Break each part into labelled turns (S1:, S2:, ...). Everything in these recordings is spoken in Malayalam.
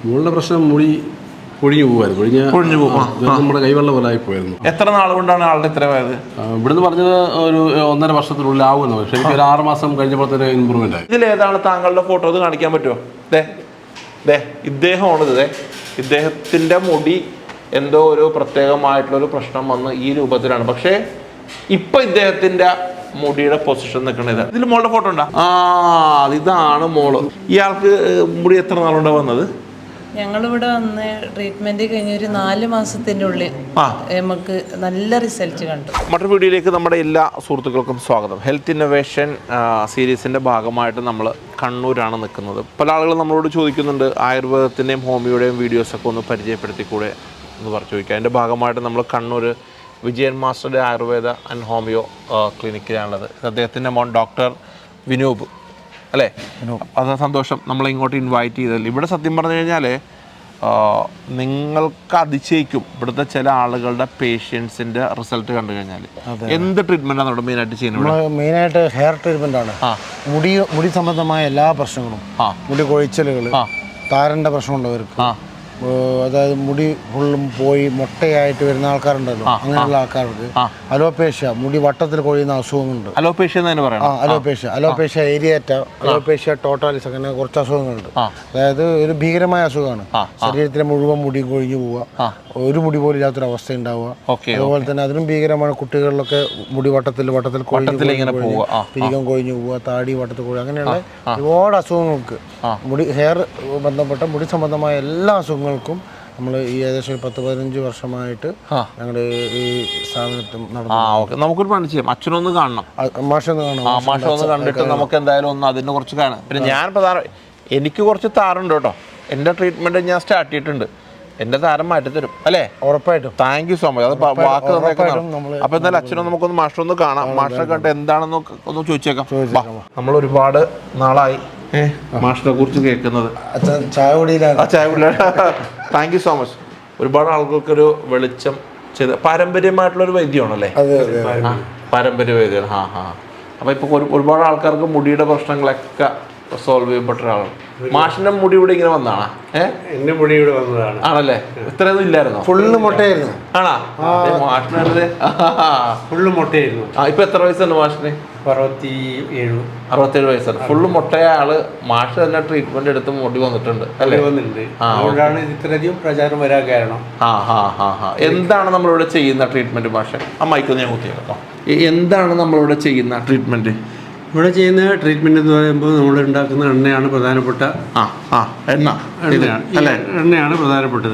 S1: മുകളിലെ പ്രശ്നം മുടി പൊഴിഞ്ഞു പോകുമായിരുന്നു. നമ്മുടെ കൈവെള്ളം പോലെ ആയി പോയിരുന്നു.
S2: എത്ര നാൾ കൊണ്ടാണ് ആളുടെ ഇത്ര ആയത്?
S1: ഇവിടുന്ന് പറഞ്ഞത് ഒരു 1.5 വർഷത്തിനുള്ളിൽ ആവുമെന്ന്. പക്ഷേ എനിക്ക് ഒരു 6 മാസം കഴിഞ്ഞപ്പോഴത്തെ ഇമ്പ്രൂവ്മെന്റ് ആയി.
S2: ഇതിലേതാണ് താങ്കളുടെ ഫോട്ടോ? ഇത് കാണിക്കാൻ പറ്റുമോ? ഇദ്ദേഹമാണിത്. ഇദ്ദേഹത്തിന്റെ മുടി എന്തോ ഒരു പ്രത്യേകമായിട്ടുള്ളൊരു പ്രശ്നം വന്ന് ഈ രൂപത്തിലാണ്. പക്ഷേ ഇപ്പൊ ഇദ്ദേഹത്തിന്റെ മുടിയുടെ പൊസിഷൻ നിൽക്കണത്. ഇതിൽ മോളുടെ ഫോട്ടോ ഉണ്ടാ? ഇതാണ് മോള്. ഇയാൾക്ക് മുടി എത്ര നാളുണ്ടാ വന്നത്?
S3: ഞങ്ങളിവിടെ വന്ന് ട്രീറ്റ്മെന്റ് കഴിഞ്ഞ ഒരു 4 മാസത്തിന്റെ ഉള്ളിൽ നമുക്ക് നല്ല റിസൾട്ട് കണ്ടു.
S2: മറ്റൊരു വീഡിയോയിലേക്ക് നമ്മുടെ എല്ലാ സുഹൃത്തുക്കൾക്കും സ്വാഗതം. ഹെൽത്ത് ഇന്നോവേഷൻ സീരീസിന്റെ ഭാഗമായിട്ട് നമ്മൾ കണ്ണൂരാണ് നിൽക്കുന്നത്. പല ആളുകളും നമ്മളോട് ചോദിക്കുന്നുണ്ട്, ആയുർവേദത്തിൻ്റെയും ഹോമിയോയുടെയും വീഡിയോസൊക്കെ ഒന്ന് പരിചയപ്പെടുത്തിക്കൂടെ എന്ന് പറഞ്ഞു ചോദിക്കുക. അതിൻ്റെ ഭാഗമായിട്ട് നമ്മൾ കണ്ണൂർ വിജയൻ മാസ്റ്ററുടെ ആയുർവേദ ആൻഡ് ഹോമിയോ ക്ലിനിക്കിലാണുള്ളത്. അദ്ദേഹത്തിൻ്റെ മോൻ ഡോക്ടർ വിനൂപ് അല്ലേ? അത് സന്തോഷം നമ്മളെ ഇങ്ങോട്ട് ഇൻവൈറ്റ് ചെയ്തതിൽ. ഇവിടെ സത്യം പറഞ്ഞു കഴിഞ്ഞാൽ നിങ്ങൾക്ക് അതിശയിക്കും ഇവിടുത്തെ ചില ആളുകളുടെ പേഷ്യൻസിൻ്റെ റിസൾട്ട് കണ്ടു കഴിഞ്ഞാൽ. എന്ത് ട്രീറ്റ്മെൻറ്റാണ് അവിടെ മെയിനായിട്ട് ചെയ്യുന്നത്?
S4: മെയിനായിട്ട് ഹെയർ ട്രീറ്റ്മെൻ്റ് ആണ്. മുടി സംബന്ധമായ എല്ലാ പ്രശ്നങ്ങളും, മുടി കൊഴിച്ചലുകൾ, താരൻ്റെ പ്രശ്നമുള്ളവർക്ക്, അതായത് മുടി ഫുള്ളും പോയി മുട്ടയായിട്ട് വരുന്ന ആൾക്കാരുണ്ടല്ലോ, അങ്ങനെയുള്ള ആൾക്കാർക്ക് അലോപേഷ്യ, മുടി വട്ടത്തിൽ കൊഴിയുന്ന അസുഖങ്ങളുണ്ട്. അലോപേഷ്യ ഏരിയേറ്റ, അലോപേഷ്യ ടോട്ടാലിസ്, അങ്ങനെ കുറച്ച് അസുഖങ്ങളുണ്ട്. അതായത് ഒരു ഭീകരമായ അസുഖമാണ്. ശരീരത്തിലെ മുഴുവൻ മുടി കൊഴിഞ്ഞു പോവുക, ഒരു മുടി പോലും ഇല്ലാത്തൊരു അവസ്ഥ ഉണ്ടാവുക. അതുപോലെ തന്നെ അതിനും ഭീകരമാണ് കുട്ടികളിലൊക്കെ മുടി വട്ടത്തിൽ പിരികം കൊഴിഞ്ഞു പോവുക, താടി വട്ടത്തിൽ കൊഴിയുക, അങ്ങനെയുള്ള ഒരുപാട് അസുഖങ്ങൾക്ക് ഹെയർ ബന്ധപ്പെട്ട മുടി സംബന്ധമായ എല്ലാ അസുഖങ്ങൾക്കും നമ്മൾ ഈ ഏകദേശം 10-15 വർഷമായിട്ട് ഞങ്ങളുടെ ഈ സ്ഥാപനത്തിൽ നടന്നു.
S2: നമുക്കൊരു പണി ചെയ്യാം, അച്ഛനൊന്ന് കാണണം, മാഷൊന്ന് കണ്ടിട്ട് നമുക്ക് എന്തായാലും ഒന്ന് അതിനെ കുറിച്ച് കാണാം. പിന്നെ ഞാൻ എനിക്ക് കുറച്ച് താറുണ്ട് കേട്ടോ. എൻ്റെ ട്രീറ്റ്മെൻറ്റ് ഞാൻ സ്റ്റാർട്ട് ചെയ്തിട്ടുണ്ട്. എൻ്റെ താരം മാറ്റി തരും അല്ലേ?
S4: ഉറപ്പായിട്ടും.
S2: Thank you so much. അത് വാക്ക് തന്നേക്കുന്നതാണ്. അപ്പോൾ എന്തായാലും അച്ഛനും നമുക്കൊന്ന് മാഷൊന്ന് കാണാം. മാഷിനെ കണ്ടിട്ട് എന്താണെന്ന് ഒന്ന് ചോദിച്ചേക്കാം. നമ്മൾ ഒരുപാട് നാളായി മാഷിനെ കുറിച്ച് കേൾക്കുന്നത്.
S4: ചായ കുടിയിലാണ്.
S2: Thank you so much. ഒരുപാട് ആളുകൾക്കൊരു വെളിച്ചം ചെയ്ത് പാരമ്പര്യമായിട്ടുള്ളൊരു വൈദ്യമാണല്ലേ? പാരമ്പര്യ വൈദ്യമാണ്. അപ്പോൾ ഇപ്പോൾ ഒരുപാട് ആൾക്കാർക്ക് മുടിയുടെ പ്രശ്നങ്ങളൊക്കെ സോൾവ് ചെയ്യപ്പെട്ട ഒരാളാണ്. മാഷിന്റെ മുടി ഇവിടെ ഇങ്ങനെ വന്നാണ്?
S5: എന്റെ മുടി ഇവിടെ വന്നതാണ്.
S2: ആണല്ലേ? ഇത്രയൊന്നും ഇല്ലായിരുന്നോ?
S4: ഫുള്ള് മുട്ടയായിരുന്നു.
S2: ആണോ? മാഷിനെ
S5: ഫുള്ള് മുട്ടയായിരുന്നു.
S2: ഇപ്പൊ എത്ര വയസ്സുണ്ട് മാഷിന്?
S5: 67
S2: വയസ്സാണ്. ഫുള്ള് മുട്ടയ ആള്. മാഷ് തന്നെ ട്രീറ്റ്മെന്റ് എടുത്ത് മുടി വന്നിട്ടുണ്ട് അല്ലേ?
S5: അതുകൊണ്ടാണ് ഇത്രയധികം പ്രചാരം വരാൻ കാരണം.
S2: എന്താണ് നമ്മളിവിടെ ചെയ്യുന്ന ട്രീറ്റ്മെന്റ് മാഷ്? ആ മൈക്കൊന്ന് ഞാൻ കുത്തിയേക്കാം. എന്താണ് നമ്മളിവിടെ ചെയ്യുന്ന ട്രീറ്റ്മെന്റ്?
S5: ഇവിടെ ചെയ്യുന്ന ട്രീറ്റ്മെന്റ് എന്ന് പറയുമ്പോൾ നമ്മൾ ഉണ്ടാക്കുന്ന എണ്ണയാണ് പ്രധാനപ്പെട്ട. എണ്ണയാണ് പ്രധാനപ്പെട്ടത്.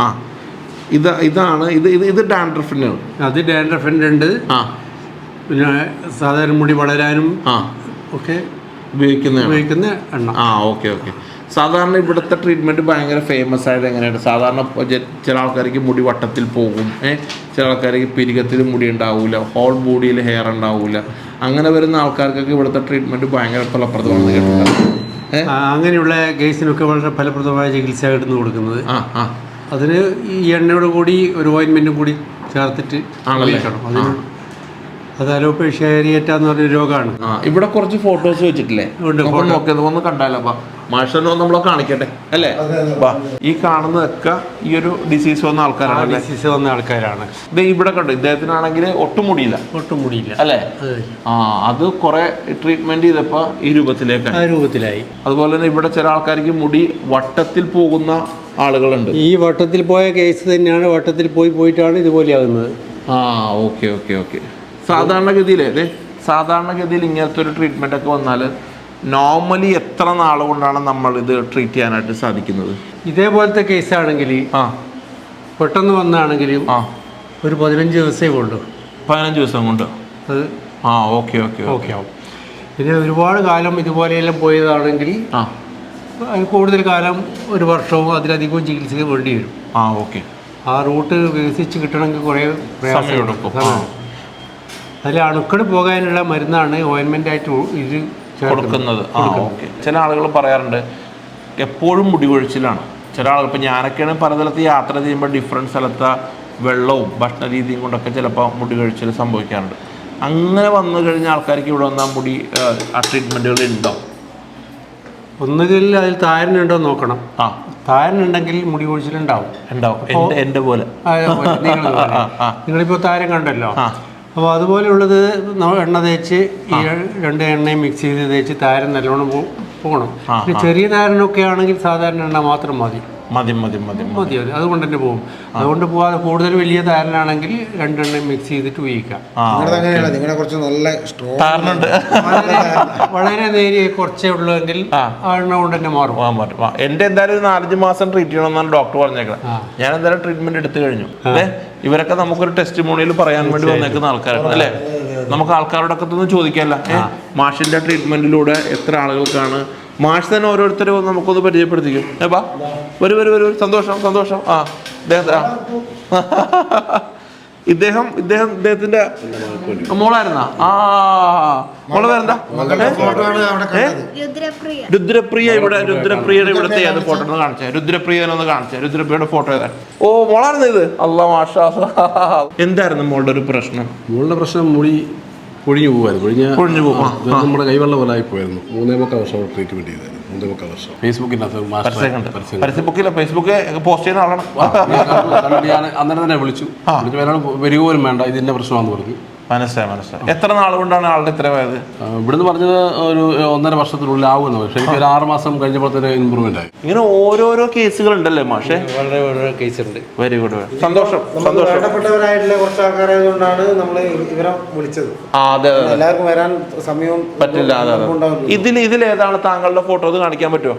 S2: ഇതാണ് ഇത് ഡാൻഡ്രഫിന്.
S5: അത് ഡാൻഡ്രഫിൻ്റെ ഉണ്ട്. പിന്നെ സാധാരണ മുടി വളരാനും ഒക്കെ ഉപയോഗിക്കുന്ന എണ്ണ.
S2: ഓക്കെ. സാധാരണ ഇവിടുത്തെ ട്രീറ്റ്മെൻറ്റ് ഭയങ്കര ഫേമസ് ആയത് എങ്ങനെയാണ്? സാധാരണ ചില ആൾക്കാർക്ക് മുടി വട്ടത്തിൽ പോകും, ചില ആൾക്കാർക്ക് പിരികത്തിൽ മുടി ഉണ്ടാവില്ല, ഹോൾ ബോഡിയിൽ ഹെയർ ഉണ്ടാവില്ല. അങ്ങനെ വരുന്ന ആൾക്കാർക്കൊക്കെ ഇവിടുത്തെ ട്രീറ്റ്മെൻറ്റ് ഭയങ്കര ഫലപ്രദമാണെന്ന് കേട്ടിട്ടുണ്ട്.
S5: അങ്ങനെയുള്ള കേസിനൊക്കെ വളരെ ഫലപ്രദമായ ചികിത്സ എടുത്ത് കൊടുക്കുന്നത്. അതിന് ഈ എണ്ണയോട് കൂടി ഒരു ഓയിൻമെൻറ്റും കൂടി ചേർത്തിട്ട് കഴിക്കണം. അത് അലോപേഷ്യ ഏരിയേറ്റ എന്ന് പറഞ്ഞൊരു രോഗമാണ്.
S2: ഇവിടെ കുറച്ച് ഫോട്ടോസ് വെച്ചിട്ടില്ലേ? ഒന്ന് കണ്ടാലോ? മാഷനോ നമ്മളെ കാണിക്കട്ടെ അല്ലേ? ഈ കാണുന്നതൊക്കെ ഈ ഒരു ഡിസീസ് വന്ന ആൾക്കാരാണ്. ഇത് ഇവിടെ കണ്ടു. ഇദ്ദേഹത്തിനാണെങ്കിൽ ഒട്ടും മുടിയില്ല അല്ലേ? അത് കുറെ ട്രീറ്റ്മെന്റ് ചെയ്തപ്പോ ഈ രൂപത്തിലായി. അതുപോലെ തന്നെ ഇവിടെ ചില ആൾക്കാർക്ക് മുടി വട്ടത്തിൽ പോകുന്ന ആളുകളുണ്ട്.
S5: ഈ വട്ടത്തിൽ പോയ കേസ് തന്നെയാണ്. വട്ടത്തിൽ പോയിട്ടാണ് ഇതുപോലെ ആകുന്നത്.
S2: ഓക്കെ. സാധാരണഗതിയിൽ ഇങ്ങനത്തെ ഒരു ട്രീറ്റ്മെന്റ് ഒക്കെ വന്നാൽ നോർമലി എത്ര നാൾ കൊണ്ടാണ് നമ്മൾ ഇത് ട്രീറ്റ് ചെയ്യാനായിട്ട് സാധിക്കുന്നത്?
S5: ഇതേപോലത്തെ കേസാണെങ്കിൽ പെട്ടെന്ന് വന്നാണെങ്കിലും ഒരു 15 ദിവസമേ കൊണ്ടു.
S2: 15 ദിവസം കൊണ്ട്
S5: അത്
S2: ഓക്കെ
S5: ആവും. പിന്നെ ഒരുപാട് കാലം ഇതുപോലെയെല്ലാം പോയതാണെങ്കിൽ കൂടുതൽ കാലം, 1 വർഷവും അതിലധികവും ചികിത്സയ്ക്ക് വേണ്ടി വരും.
S2: ഓക്കെ.
S5: ആ റൂട്ട് വികസിച്ച് കിട്ടണമെങ്കിൽ കുറേ
S2: സമയമെടുക്കും.
S5: അതിൽ അണുക്കൾ പോകാനുള്ള മരുന്നാണ് ഓയിൻമെൻ്റ് ആയിട്ട് ഇത്
S2: കൊടുക്കുന്നത്. ചില ആളുകൾ പറയാറുണ്ട് എപ്പോഴും മുടി കൊഴിച്ചിലാണ്. ചില ആളുകൾ, ഇപ്പം ഞാനൊക്കെയാണ് പല സ്ഥലത്ത് യാത്ര ചെയ്യുമ്പോൾ ഡിഫറെൻറ്റ് സ്ഥലത്തെ വെള്ളവും ഭക്ഷണ രീതിയും കൊണ്ടൊക്കെ ചിലപ്പോൾ മുടി കൊഴിച്ചിൽ സംഭവിക്കാറുണ്ട്. അങ്ങനെ വന്നു കഴിഞ്ഞ ആൾക്കാർക്ക് ഇവിടെ വന്നാൽ മുടി ട്രീറ്റ്മെൻറ്റുകൾ ഉണ്ടോ?
S5: ഒന്നുകിൽ അതിൽ താരനുണ്ടോ നോക്കണം. താരനുണ്ടെങ്കിൽ മുടി കൊഴിച്ചിലുണ്ടാവും.
S2: എൻ്റെ പോലെ
S5: നിങ്ങളിപ്പോൾ താരം കണ്ടല്ലോ. അപ്പോൾ അതുപോലെയുള്ളത് എണ്ണ തേച്ച് ഈ 2 എണ്ണയും മിക്സ് ചെയ്ത് തേച്ച് താരൻ നല്ലോണം പോകണം. ചെറിയ താരനൊക്കെ ആണെങ്കിൽ സാധാരണ എണ്ണ മാത്രം മതി. മതി അതുകൊണ്ട് തന്നെ പോകും. അതുകൊണ്ട് പോവാതെ കൂടുതൽ വലിയ താരനാണെങ്കിൽ 2 എണ്ണയും മിക്സ് ചെയ്തിട്ട് ഉപയോഗിക്കാം. വളരെ നേരിയ കുറച്ചേ ഉള്ളൂവെങ്കിൽ ആ എണ്ണ കൊണ്ട് തന്നെ മാറും.
S2: എൻ്റെ എന്തായാലും ഒരു 4-5 മാസം ട്രീറ്റ് ചെയ്യണമെന്നാണ് ഡോക്ടർ പറഞ്ഞേക്കുന്നത്. ഞാൻ എന്തായാലും ട്രീറ്റ്മെന്റ് എടുത്തു കഴിഞ്ഞു. ഇവരൊക്കെ നമുക്കൊരു ടെസ്റ്റിമോണിയിൽ പറയാൻ വേണ്ടി വന്നേക്കുന്ന ആൾക്കാരാണ് അല്ലേ. നമുക്ക് ആൾക്കാരോടൊക്കെ ഒന്ന് ചോദിക്കാമല്ല, മാഷിന്റെ ട്രീറ്റ്മെന്റിലൂടെ എത്ര ആളുകൾക്കാണ്. മാഷ് തന്നെ ഓരോരുത്തരും നമുക്കൊന്ന് പരിചയപ്പെടുത്തിക്കും. ഏപ്പാ വരൂ സന്തോഷം. ഇദ്ദേഹത്തിന്റെ മോളായിരുന്നാ? മോളെ പേരെന്താ? രുദ്രപ്രിയ. രുദ്രപ്രിയയുടെ ഇവിടുത്തെ ഏത് ഫോട്ടോ ഒന്ന് കാണിച്ചേ. രുദ്രപ്രിയനൊന്ന് കാണിച്ചേ. രുദ്രപ്രിയയുടെ ഫോട്ടോ ഏതാ? ഓ, മോളായിരുന്നു ഇത്. അല്ലാ മാഷാ. എന്തായിരുന്നു മോളുടെ ഒരു പ്രശ്നം?
S1: മോളുടെ പ്രശ്നം മുടി പൊഴിഞ്ഞു പോകും. നമ്മുടെ കൈവെള്ള പോലെ ആയി പോയിരുന്നു. 3.25 വർഷം ട്രീറ്റ്മെന്റ് ചെയ്തായിരുന്നു. 3.25 വർഷം.
S2: ഫേസ്ബുക്ക് പോസ്റ്റ് ചെയ്യുന്ന ആളാണ്.
S1: അന്നേരം തന്നെ വിളിച്ചു വരിക പോലും വേണ്ട, ഇതിന്റെ പ്രശ്നമാണെന്ന് പറഞ്ഞു.
S2: മനസ്സിലായി. എത്ര നാൾ കൊണ്ടാണ് ആളുടെ ഇത്ര പോയത്?
S1: ഇവിടുന്ന് പറഞ്ഞത് ഒരു 1.5 വർഷത്തിനുള്ളിൽ ആവുന്നു. പക്ഷെ എനിക്ക് ഒരു 6 മാസം കഴിഞ്ഞപ്പോഴത്തേന് ഇമ്പ്രൂവ്മെന്റ് ആയി.
S2: ഇങ്ങനെ ഓരോരോ കേസുകൾ ഉണ്ടല്ലേ മാഷെ?
S5: വളരെ കേസ് ഉണ്ട്.
S2: Very good. സന്തോഷം.
S4: വേണ്ടപ്പെട്ടവരായിട്ടുള്ള കുറച്ച് ആൾക്കാരായതുകൊണ്ടാണ് നമ്മൾ ഇവരെ വിളിച്ചത്.
S2: അതെ,
S4: എല്ലാവർക്കും വരാൻ സമയവും
S2: പറ്റില്ല. ഇതിലേതാണ് താങ്കളുടെ ഫോട്ടോ? അത് കാണിക്കാൻ പറ്റുമോ?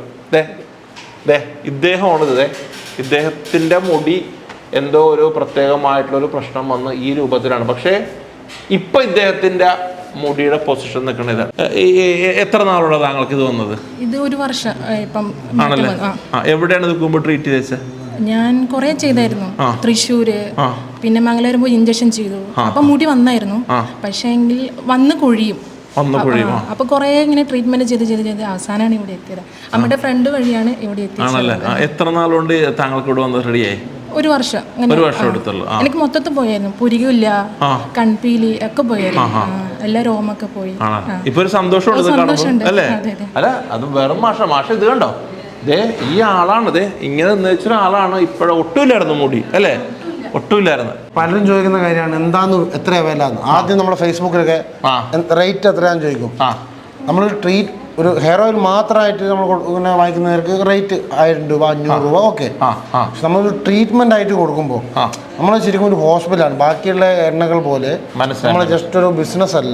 S2: ഇദ്ദേഹമാണിത്. ഇദ്ദേഹത്തിന്റെ മുടി എന്തോ ഒരു പ്രത്യേകമായിട്ടുള്ളൊരു പ്രശ്നം വന്ന് ഈ രൂപത്തിലാണ്. പക്ഷേ ഇപ്പൊ ഇദ്ദേഹത്തിന്റെ മുടിയുടെ പൊസിഷൻ നിൽക്കുന്നത്. എത്ര നാളുള്ള താങ്കൾക്ക് ഇത് വന്നത്?
S6: ഇത് 1 വർഷം ഇപ്പം.
S2: ആണല്ലേ? എവിടെയാണ് നിൽക്കുമ്പോൾ ട്രീറ്റ് ചെയ്തത്?
S6: ഞാൻ കുറെ ചെയ്തായിരുന്നു. തൃശ്ശൂര്, പിന്നെ മംഗലാപുരം പോയി ഇഞ്ചക്ഷൻ ചെയ്തു. അപ്പൊ മുടി വന്നായിരുന്നു. പക്ഷേ എങ്കിൽ വന്ന് കൊഴിയും. അപ്പൊ കുറെ ഇങ്ങനെ ട്രീറ്റ്മെന്റ് ചെയ്ത് അവസാനമാണ് ഇവിടെ എത്തിയത്. അമ്മയുടെ ഫ്രണ്ട് വഴിയാണ് ഇവിടെ എത്തിയത്.
S2: എത്ര നാളുകൊണ്ട് താങ്കൾക്ക് ഇവിടെ വന്നത് റെഡിയായി?
S6: 1 വർഷം.
S2: 1 വർഷം എടുത്തുള്ളൂ.
S6: എനിക്ക് മൊത്തത്തിൽ പോയായിരുന്നു. പുരികില്ല, കൺപീലി ഒക്കെ പോയായിരുന്നു. എല്ലാ രോമൊക്കെ പോയി.
S2: ഇപ്പൊ ഒരു സന്തോഷമുണ്ട് അല്ലേ? അല്ല, അത് വെറും മാഷ ഇത് കണ്ടോ? ഈ ആളാണ് ഇങ്ങനെ നിർച്ച ആളാണ്. ഇപ്പോഴും ഒട്ടുമില്ലായിരുന്നു മുടി അല്ലേ? ഒട്ടുമില്ലായിരുന്നു.
S4: പലരും ചോദിക്കുന്ന കാര്യമാണ് എന്താന്ന് എത്രയാ വില. ആദ്യം നമ്മുടെ ഫേസ്ബുക്കിലൊക്കെ റേറ്റ് എത്രയാന്ന് ചോദിക്കും. നമ്മൾ ഒരു ഹെയർ ഓയിൽ മാത്രമായിട്ട് നമ്മൾ ഇങ്ങനെ വാങ്ങിക്കുന്നവർക്ക് റേറ്റ് 1000 രൂപ 500 രൂപ ഓക്കെ. പക്ഷെ നമ്മളൊരു ട്രീറ്റ്മെന്റ് ആയിട്ട് കൊടുക്കുമ്പോൾ നമ്മൾ ശരിക്കും ഒരു ഹോസ്പിറ്റലാണ്. ബാക്കിയുള്ള എണ്ണകൾ പോലെ നമ്മൾ ജസ്റ്റ് ഒരു ബിസിനസ് അല്ല.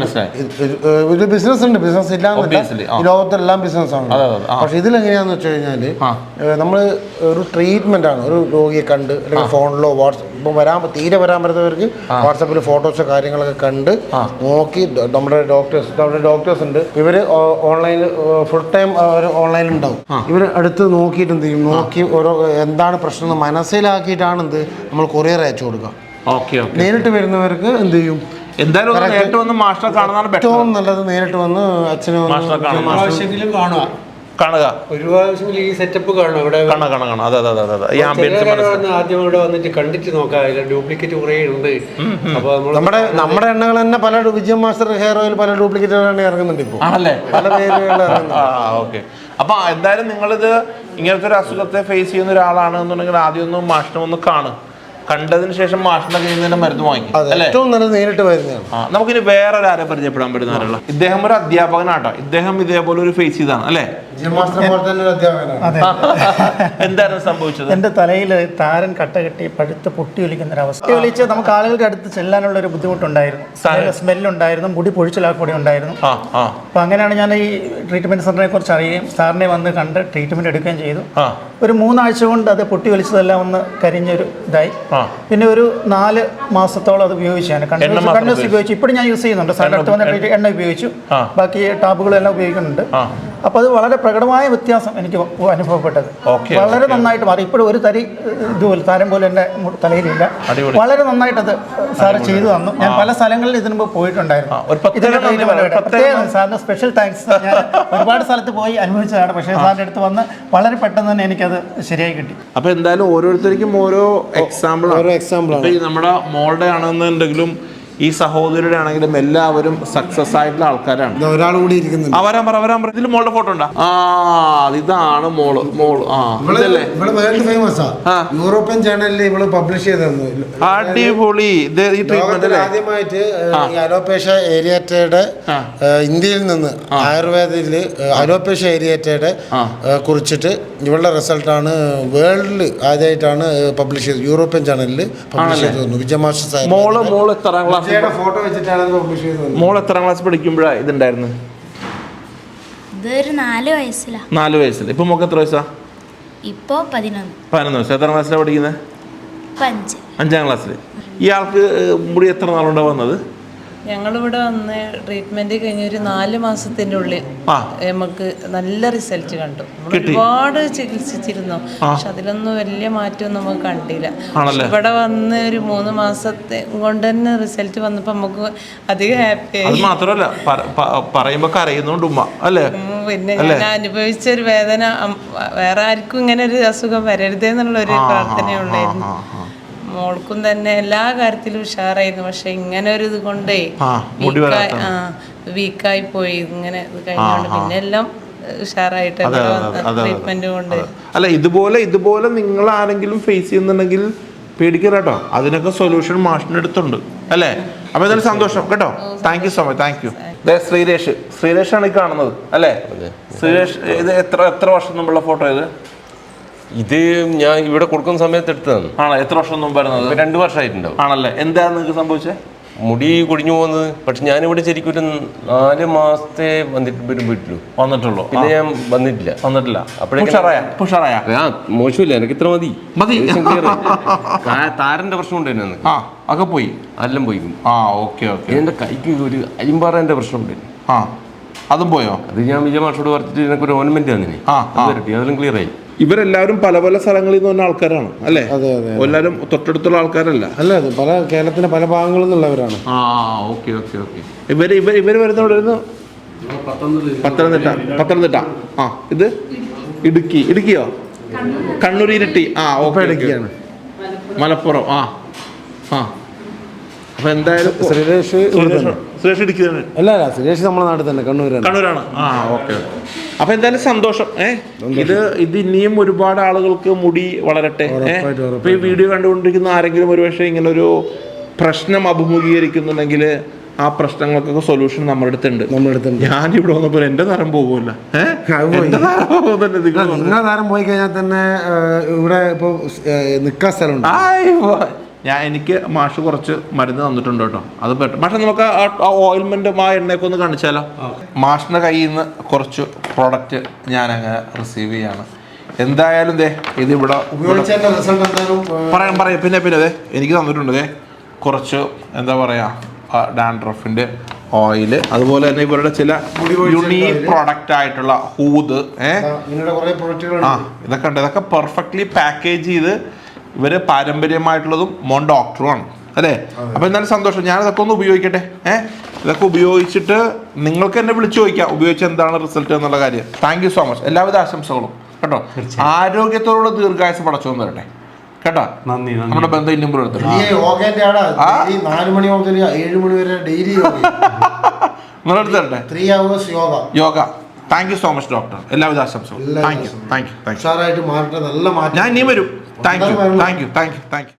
S4: ഒരു ബിസിനസ് ഉണ്ട്, ബിസിനസ് ഇല്ലാന്നില്ല. ഈ ലോകത്തെല്ലാം ബിസിനസ് ആണ്. പക്ഷെ ഇതിലെങ്ങനെയാന്ന് വെച്ച് കഴിഞ്ഞാല് നമ്മൾ ഒരു ട്രീറ്റ്മെന്റ് ആണ്. ഒരു രോഗിയെ കണ്ട് അല്ലെങ്കിൽ ഫോണിലോ ഇപ്പം തീരെ വരാൻ പറ്റുന്നവർക്ക് വാട്സാപ്പിൽ ഫോട്ടോസോ കാര്യങ്ങളൊക്കെ കണ്ട് നോക്കി നമ്മുടെ ഡോക്ടേഴ്സ് ഉണ്ട്. ഇവര് ഓൺലൈനിൽ ഫുൾ ടൈം ഓൺലൈനിൽ ഉണ്ടാവും. ഇവർ അടുത്ത് നോക്കിയിട്ട് എന്ത് ചെയ്യും, നോക്കി ഓരോ എന്താണ് പ്രശ്നം എന്ന് മനസ്സിലാക്കിയിട്ടാണ് നമ്മൾ കൊറിയർ അയച്ചു കൊടുക്കുക. നേരിട്ട് വരുന്നവർക്ക് എന്ത് ചെയ്യും,
S2: എന്തായാലും ഏറ്റവും
S4: നല്ലത് നേരിട്ട് വന്ന് അച്ഛനും
S2: കാണുക.
S5: ഒരു പ്രാവശ്യം ഈ സെറ്റപ്പ് കാണും. ഇവിടെ ആദ്യം ഇവിടെ വന്നിട്ട് കണ്ടിട്ട് നോക്കാം. ഡ്യൂപ്ലിക്കേറ്റ് കുറേ ഉണ്ട്. അപ്പൊ
S4: നമ്മുടെ എണ്ണകൾ തന്നെ പല വിജയം മാസ്റ്റർ ഹെയർ ഓയിൽ പല ഡ്യൂപ്ലിക്കേറ്റ് ഇറങ്ങുന്നുണ്ട് ഇപ്പോൾ.
S2: ആണല്ലേ?
S4: പല പേരുകൾ.
S2: ഓക്കെ. അപ്പൊ എന്തായാലും നിങ്ങളിത് ഇങ്ങനത്തെ ഒരു അസുഖത്തെ ഫേസ് ചെയ്യുന്ന ഒരാളാണെന്നുണ്ടെങ്കിൽ ആദ്യം ഒന്ന് മാഷിനെ ഒന്ന് കാണും. കണ്ടതിന് ശേഷം മാഷിന്റെ കയ്യിൽ നിന്ന് മരുന്ന് വാങ്ങി.
S4: ഏറ്റവും നല്ലത് നേരിട്ട് വരുന്നതാണ്.
S2: നമുക്കിനി വേറൊരാരെ പരിചയപ്പെടാൻ പറ്റുന്ന ആരുള്ള. ഇദ്ദേഹം ഒരു അധ്യാപകനാട്ടോ. ഇദ്ദേഹം ഇതേപോലെ ഒരു ഫേസ് ചെയ്താണ് അല്ലേ? എന്തായിരുന്നു സംഭവിച്ചത്?
S7: എന്റെ തലയിൽ താരൻ കട്ട കെട്ടി പഴുത്ത് പൊട്ടി ഒലിക്കുന്ന ഒരു അവസ്ഥ. ഒലിച്ച് നമുക്ക് ആളുകളുടെ അടുത്ത് ചെല്ലാനുള്ള ഒരു ബുദ്ധിമുട്ടുണ്ടായിരുന്നു. സ്മെല്ലുണ്ടായിരുന്നു, മുടി പൊഴിച്ചിലാക്കൂടി ഉണ്ടായിരുന്നു. അപ്പൊ അങ്ങനെയാണ് ഞാൻ ഈ ട്രീറ്റ്മെന്റ് സെന്ററിനെ കുറിച്ച് അറിയുകയും സാറിനെ വന്ന് കണ്ട് ട്രീറ്റ്മെന്റ് എടുക്കുകയും ചെയ്തു. ഒരു 3 ആഴ്ച കൊണ്ട് അത് പൊട്ടി ഒലിച്ചതെല്ലാം ഒന്ന് കരിഞ്ഞൊരു ഇതായി. പിന്നെ ഒരു 4 മാസത്തോളം അത് ഉപയോഗിച്ചു. ഞാൻ കണ്ടിന്യൂസ് ഉപയോഗിച്ചു. ഇപ്പോഴും ഞാൻ യൂസ് ചെയ്യുന്നുണ്ട്. സാറിന്റെ അടുത്ത് വന്നിട്ട് എണ്ണ ഉപയോഗിച്ചു, ബാക്കി ടാബുകളെല്ലാം ഉപയോഗിക്കുന്നുണ്ട്. അപ്പൊ അത് വളരെ പ്രകടമായ വ്യത്യാസം എനിക്ക് അനുഭവപ്പെട്ടത്. വളരെ നന്നായിട്ട് മാറി. ഇപ്പോഴും ഒരു തരി ഇതുപോലെ താരം പോലെ എൻ്റെ തലയിലില്ല. വളരെ നന്നായിട്ട് അത് സാറ് ചെയ്തു തന്നു. ഞാൻ പല സ്ഥലങ്ങളിൽ ഇതിനു മുമ്പ് പോയിട്ടുണ്ടായിരുന്നു. സാറിന് സ്പെഷ്യൽ താങ്ക്സ്. ഞാൻ ഒരുപാട് സ്ഥലത്ത് പോയി അനുഭവിച്ചതാണ്. പക്ഷേ സാറിൻ്റെ അടുത്ത് വന്ന് വളരെ പെട്ടെന്ന് തന്നെ എനിക്കത് ശരിയായി കിട്ടി.
S2: അപ്പൊ എന്തായാലും ഓരോരുത്തർക്കും ഓരോ എക്സാമ്പിൾ. നമ്മുടെ മോളുടെ ആണെന്നുണ്ടെങ്കിലും ഈ സഹോദരിയുടെ ആണെങ്കിലും എല്ലാവരും സക്സസ് ആയിട്ടുള്ള ആൾക്കാരാണ്.
S4: ഒരാൾ കൂടി ഇരിക്കുന്നുണ്ട്.
S2: വരാൻ പറ ഇതിൽ മോളുടെ ഫോട്ടോ ഉണ്ടാ? ഇതാണ് മോള്. ഇതല്ലേ
S4: ഫേമസ് യൂറോപ്യൻ ചാനലിൽ ഇവള് പബ്ലിഷ് ചെയ്തു.
S2: അടിപൊളി. ഈ ട്രീറ്റ്മെന്റ്
S4: ആദ്യമായിട്ട് അലോപേഷ്യ ഏരിയറ്റയുടെ ഇന്ത്യയിൽ നിന്ന് ആയുർവേദത്തില് അലോപേഷ്യ ഏരിയറ്റയുടെ കുറിച്ചിട്ട് ഇവളുടെ റിസൾട്ടാണ് വേൾഡിൽ ആദ്യമായിട്ടാണ് പബ്ലിഷ് ചെയ്തത്. യൂറോപ്യൻ ചാനലിൽ പബ്ലിഷ് ചെയ്തു. വിജയമാഷ
S2: മോള് എത്രാം ക്ലാസ്
S4: ഫോട്ടോ വെച്ചിട്ടാണ് പബ്ലിഷ് ചെയ്തത്.
S2: മോള് എത്രാം ക്ലാസ് പഠിക്കുമ്പോഴാണ് ഇതുണ്ടായിരുന്നു?
S8: ഇതൊരു 4 വയസ്സിലാ.
S2: 4 വയസ്സിൽ. ഇപ്പൊ മോക്ക് എത്ര വയസ്സാ?
S8: ഇപ്പോ 11
S2: വയസ്സ്. എത്രാം ക്ലാസ്സിലാണ് പഠിക്കുന്നത്? 5ാം ക്ലാസ്സിൽ. ഇയാൾക്ക് മുടി എത്ര നാളുണ്ടാ വന്നത്?
S3: ഞങ്ങളിവിടെ വന്ന് ട്രീറ്റ്മെന്റ് കഴിഞ്ഞ ഒരു 4 മാസത്തിന്റെ ഉള്ളിൽ നമുക്ക് നല്ല റിസൾട്ട് കണ്ടു. ഒരുപാട് ചികിത്സിച്ചിരുന്നു, പക്ഷെ അതിലൊന്നും വലിയ മാറ്റം നമുക്ക് കണ്ടില്ല. ഇവിടെ വന്ന് ഒരു 3 മാസത്തെ കൊണ്ട് തന്നെ റിസൾട്ട് വന്നപ്പോ നമുക്ക് അധികം ഹാപ്പി ആയി.
S2: മാത്രമല്ല പറയുമ്പോ കരയുന്നുണ്ട് ഉമ്മ അല്ലേ?
S3: പിന്നെ ഞാൻ അനുഭവിച്ച ഒരു വേദന വേറെ ആർക്കും ഇങ്ങനെ ഒരു അസുഖം വരരുതെന്നുള്ള ഒരു പ്രാർത്ഥനയുള്ളായിരുന്നു. മോൾക്കും തന്നെ എല്ലാ കാര്യത്തിലും ഉഷാറായിരുന്നു. പക്ഷെ ഇങ്ങനെ ഒരു ഇത് കൊണ്ടേ വീക്കായി പോയി. ഇങ്ങനെ ഇത് കഴിഞ്ഞോണ്ട് പിന്നെ എല്ലാം ഉഷാറായിട്ട് ട്രീറ്റ്മെന്റ് കൊണ്ട്.
S2: അല്ല, ഇതുപോലെ നിങ്ങൾ ആരെങ്കിലും ഫേസ് ചെയ്യുന്നുണ്ടെങ്കിൽ പേടിക്കരുത് കേട്ടോ. അതിനൊക്കെ സൊല്യൂഷൻ മാഷിന്റെ അടുത്തുണ്ട് അല്ലേ? അപ്പൊ എന്തായാലും സന്തോഷം കേട്ടോ. Thank you so much. Thank you. ശ്രീരേഷാണ് ഈ കാണുന്നത് അല്ലേ? ശ്രീരേഷ്, ഇത് എത്ര വർഷം മുമ്പുള്ള ഫോട്ടോ ഇത്?
S9: ഇത് ഞാൻ ഇവിടെ കൊടുക്കുന്ന സമയത്ത് എടുത്തതാണ്.
S2: ആണോ? എത്ര വർഷം മുമ്പായിരുന്നത്?
S9: 2 വർഷമായിട്ടുണ്ടാവും.
S2: ആണല്ലേ? എന്താണ് നിങ്ങൾക്ക് സംഭവിച്ചത്?
S9: മുടി കൊടിഞ്ഞു പോകുന്നത്. പക്ഷെ ഞാനിവിടെ ശരിക്കും ഒരു 4 മാസത്തെ വന്നിട്ടുള്ളൂ. പിന്നെ ഞാൻ വന്നിട്ടില്ല. മോശമില്ല, എനിക്ക് ഇത്ര മതി. താരന്റെ പ്രശ്നം ഉണ്ടായിരുന്നു.
S2: ഒക്കെ പോയി,
S9: എല്ലാം പോയി. എന്റെ കൈക്ക് ഒരു അരിമ്പാറേന്റെ പ്രശ്നം ഉണ്ടായിരുന്നു.
S2: അതും പോയോ?
S9: അത് ഞാൻ വിജയമാഷോട് പറഞ്ഞിട്ട് എനിക്ക് ഒരു ഓർണമെന്റ് തന്നിനെ, അതെല്ലാം ക്ലിയർ ആയി.
S2: ഇവരെല്ലാവരും പല സ്ഥലങ്ങളിൽ നിന്ന് വന്ന ആൾക്കാരാണ് അല്ലേ? എല്ലാവരും തൊട്ടടുത്തുള്ള ആൾക്കാരല്ല
S4: അല്ല, അത് പല കേരളത്തിന്റെ പല ഭാഗങ്ങളിൽ നിന്നുള്ളവരാണ്.
S2: ഇവര് വരുന്ന പത്തനംതിട്ട. ഇത് ഇടുക്കിയോ? കണ്ണൂർ, ഇരിട്ടി.
S4: ഇടുക്കിയാണ്.
S2: മലപ്പുറം. അപ്പൊ എന്തായാലും സുരേഷ് ഇടുക്കിയാണ്.
S4: അല്ല, സുരേഷ് നമ്മുടെ നാട്ടിൽ തന്നെ, കണ്ണൂരാണ്.
S2: അപ്പൊ എന്തായാലും സന്തോഷം. ഇത് ഇനിയും ഒരുപാട് ആളുകൾക്ക് മുടി വളരട്ടെ. ഇപ്പൊ ഈ വീഡിയോ കണ്ടുകൊണ്ടിരിക്കുന്ന ആരെങ്കിലും ഒരുപക്ഷെ ഇങ്ങനെ ഒരു പ്രശ്നം അഭിമുഖീകരിക്കുന്നുണ്ടെങ്കിൽ ആ പ്രശ്നങ്ങൾക്കൊക്കെ സൊല്യൂഷൻ നമ്മുടെ അടുത്തുണ്ട്. ഞാനിവിടെ വന്നപ്പോൾ എന്റെ തരം പോകുമല്ലോ.
S4: നിങ്ങളുടെ താരം പോയി കഴിഞ്ഞാൽ തന്നെ ഇവിടെ ഇപ്പൊ നിൽക്കാൻ സ്ഥലമുണ്ട്.
S2: എനിക്ക് മാഷ് കുറച്ച് മരുന്ന് തന്നിട്ടുണ്ട് കേട്ടോ. അത് പക്ഷെ നമുക്ക് ആ ഓയിൽമെന്റ് ആ എണ്ണയൊക്കെ ഒന്ന് കാണിച്ചാലോ? മാഷിന്റെ കയ്യിൽ നിന്ന് കുറച്ച് പ്രോഡക്റ്റ് ഞാൻ അങ്ങനെ റിസീവ് ചെയ്യാണ്. എന്തായാലും ഇതിവിടെ പറയാം. പിന്നെ എനിക്ക് തന്നിട്ടുണ്ട് കുറച്ച് എന്താ പറയാ ഡാൻഡ്രഫിന്റെ ഓയില്, അതുപോലെ തന്നെ ഇവരുടെ ചില യുണീക് പ്രോഡക്റ്റ് ആയിട്ടുള്ള ഹൂത്. ഇതൊക്കെ പെർഫെക്റ്റ്ലി പാക്കേജ് ചെയ്ത് ഇവര് പാരമ്പര്യമായിട്ടുള്ളതും മോൻ ഡോക്ടറുമാണ് അല്ലേ? അപ്പൊ എന്നാലും സന്തോഷം. ഞാൻ ഇതൊക്കെ ഒന്ന് ഉപയോഗിക്കട്ടെ. ഇതൊക്കെ ഉപയോഗിച്ചിട്ട് നിങ്ങൾക്ക് എന്നെ വിളിച്ചു ചോദിക്കാം ഉപയോഗിച്ച് എന്താണ് റിസൾട്ട് എന്നുള്ള കാര്യം. Thank you so much. എല്ലാവിധ ആശംസകളും കേട്ടോ. ആരോഗ്യത്തോടുള്ള ദീർഘായുസ് പടച്ചോന്ന് തരട്ടെ കേട്ടോ.
S5: നന്ദി.
S2: നമ്മുടെ ബന്ധം ഇന്നും എടുത്തിട്ട്
S4: 4 മണി മുതൽ 7 മണി വരെ ഡെയിലി
S2: നിങ്ങളെടുത്ത് തരട്ടെ
S4: 3 hours
S2: yoga. Thank you so much doctor. എല്ലാവിധ ആശംസകളും. Thank you.
S4: മാറട്ടെ. നല്ല മാറ്റം.
S2: ഞാൻ ഇനിയും വരും. Thank U.